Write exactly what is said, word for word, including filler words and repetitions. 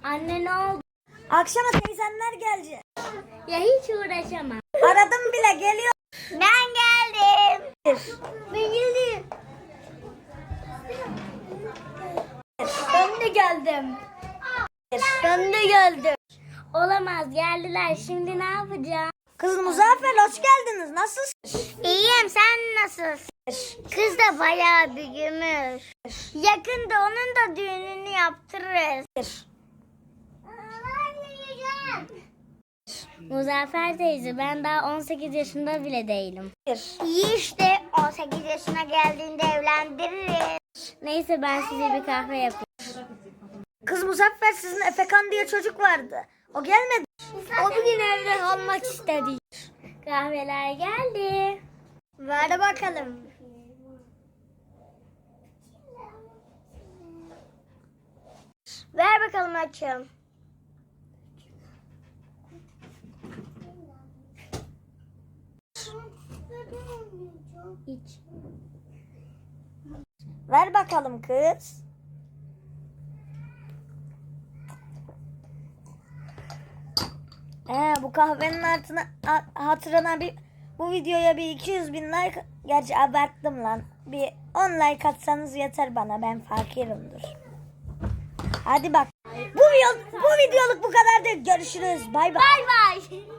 Anne ne oldu? Akşama teyzenler gelecek. Ya hiç uğraşamam. Aradım bile, geliyor. Ben geldim. Ben geldim. Ben de geldim. Ben de geldim. Olamaz, geldiler. Şimdi ne yapacağım? Kız Muzaffer, hoş geldiniz. Nasılsın? İyiyim, sen nasılsın? Kız da bayağı büyümüş. Yakında onun da düğününü yaptırırız. Muzaffer teyze, ben daha on sekiz yaşında bile değilim. İyi işte, on sekiz yaşına geldiğinde evlendiririz. Neyse, ben size bir kahve yapayım. Kız Muzaffer, sizin Efekan diye çocuk vardı. O gelmedi. O bugün evde kalmak istedi. Kahveler geldi. Ver bakalım. Ver bakalım açım. İç. Ver bakalım kız. Ee, bu kahvenin altına a- hatırına bir bu videoya bir iki yüz bin like, gerçi abarttım lan. Bir on like atsanız yeter bana, ben fakirimdir. Hadi bak. Bu, video, bu videoluk bu kadar değil. Görüşürüz. Bay bay. Bay bay.